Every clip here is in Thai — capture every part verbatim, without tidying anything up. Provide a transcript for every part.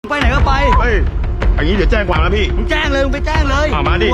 ไปไหนก็ไปเฮ้ยอย่างนี้เดี๋ยวแจ้งความแล้วพี่มึงแจ้งเลยมึงไปแจ้งเลยอ่ามาดิ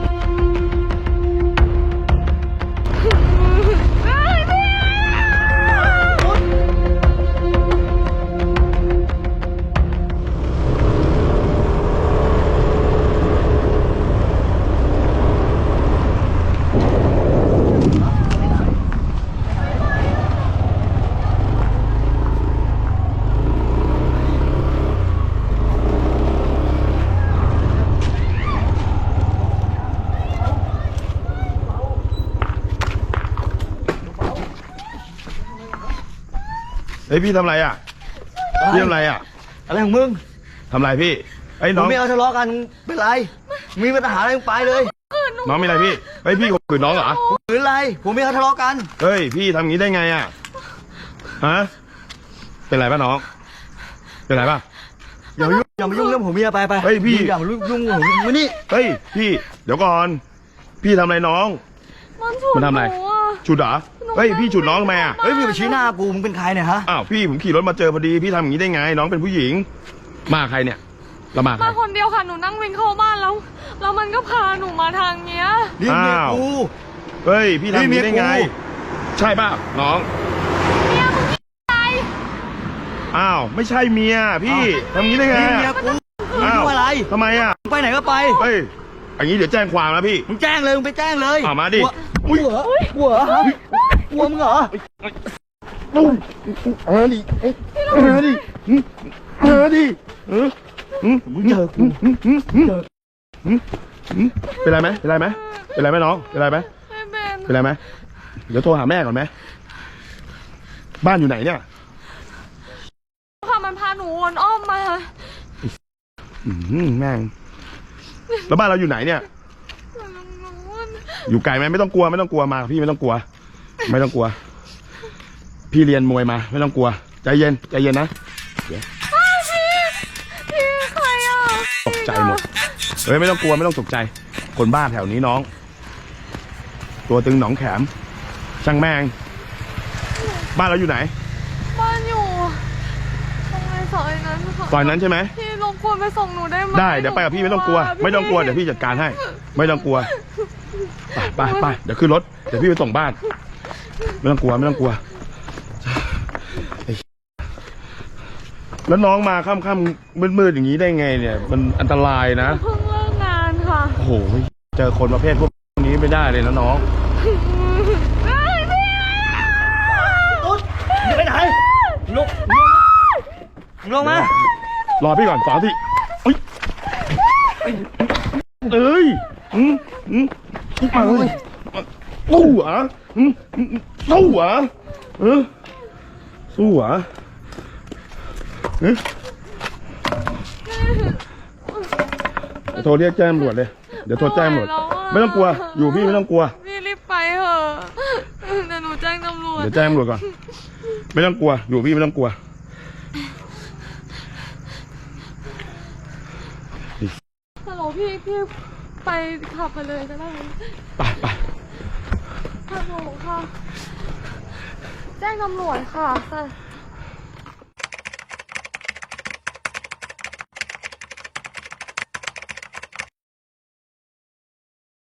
เฮ้ยพี่ทำไรอ่ะพี่ทำไรอ่ะอะไรของมึงทำไรพี่ไอ้น้องไม่เอาทะเลาะกันเป็นไรมีปัญหาอะไรมึงไปเลยน้องมีอะไรพี่เฮ้ยพี่ข่มขืนน้องเหรอหรืออะไรผมไม่เอาทะเลาะกันเฮ้ยพี่ทำงี้ได้ไงอ่ะฮะเป็นไรป่ะน้องเป็นไรป่ะอย่ามายุ่งอย่ามายุ่งเรื่องผมเมียไปไปเฮ้ยพี่อย่ามายุ่งยุ่งผมมานี่เฮ้ยพี่เดี๋ยวก่อนพี่ทำอะไรน้องมันทำอะไรฉุดเหรอเฮ้ยพี่ฉุดน้องทำไมอ่ะเฮ้ยมึงไปชี้หน้ากูมึงเป็นใครเนี่ยฮะอ้าวพี่ผมขี่รถมาเจอพอดีพี่ทำอย่างนี้ได้ไงน้องเป็นผู้หญิงมาใครเนี่ยเรามาใครมาคนเดียวค่ะหนูนั่งวิ่งเข้าบ้านแล้วแล้วมันก็พาหนูมาทางเนี้ยนี่เมียกูเฮ้ยพี่ทำอย่างนี้ได้ไงใช่ป่ะน้องเมียมึงอะไรอ้าวไม่ใช่เมียพี่ทำอย่างนี้ได้ไงนี่เมียกูอ้าวอะไรทำไมอ่ะไปไหนก็ไปเฮ้ยอย่างนี้เดี๋ยวแจ้งความแล้วพี่มึงแจ้งเลยมึงไปแจ้งเลยอ่ามาดิกลัวกลัวฮะกลัวมึงเหรอเออดิเออดิเออดิเออมึงเจอกูเจอเป็นไรไหมเป็นไรไหมเป็นไรไหมน้องเป็นไรไหมเป็นไรไหมเดี๋ยวโทรหาแม่ก่อนไหมบ้านอยู่ไหนเนี่ยค่ะมันพาหนูวนอ้อมมาอืมแม่งแล้วบ้านเราอยู่ไหนเนี่ยอยู่ไกลไหมไม่ต้องกลัวไม่ต้องกลัวมาพี่ไม่ต้องกลัวไม่ต้องกลัวพี่เรียนมวยมาไม่ต้องกลัวใจเย็นใจเย็นนะพี่พี่ใครอ่ะตกใจหมดเฮ้ยไม่ต้องกลัวไม่ต้องตกใจคนบ้านแถวนี้น้องตัวตึงหนองแขมช่างแม่งบ้านเราอยู่ไหนบ้านอยู่ตรงในซอยนั้นซอยนั้นใช่ไหมพี่รบกวนไปส่งหนูได้ไหมได้เดี๋ยวไปกับพี่ไม่ต้องกลัวไม่ต้องกลัวเดี๋ยวพี่จัดการให้ไม่ต้องกลัวไปไปไปเดี๋ยวขึ้นรถเดี๋ยวพี่ไปส่งบ้านไม่ต้องกลัวไม่ต้องกลัวแล้วน้องมาค่ำๆมืดๆอย่างนี้ได้ไงเนี่ยมันอันตรายนะเพิ่งเลิกงานค่ะโอ้โหเจอคนประเภทพวกนี้ไม่ได้เลยนะน้องไปไหนลุกลงมารอพี่ก่อนสองทีเอ้ยเอ้ยอืมอืมมาเลยสู้เหรออืมสู้เหรอเออสู้เหรอเฮ้ยเดี๋ยวโทรเรียกแจ้งตำรวจเลยเดี๋ยวโทรแจ้งตำรวจไม่ต้องกลัวอยู่พี่ไม่ต้องกลัวพี่รีบไปเถอะเดี๋ยวหนูแจ้งตำรวจเดี๋ยวแจ้งตำรวจก่อนไม่ต้องกลัวอยู่พี่ไม่ต้องกลัวฮัลโหลพี่พี่ไปขับไปเลยจะได้ไหมไปไปฮัลโหลค่ะแจ้งตำรวจค่ะ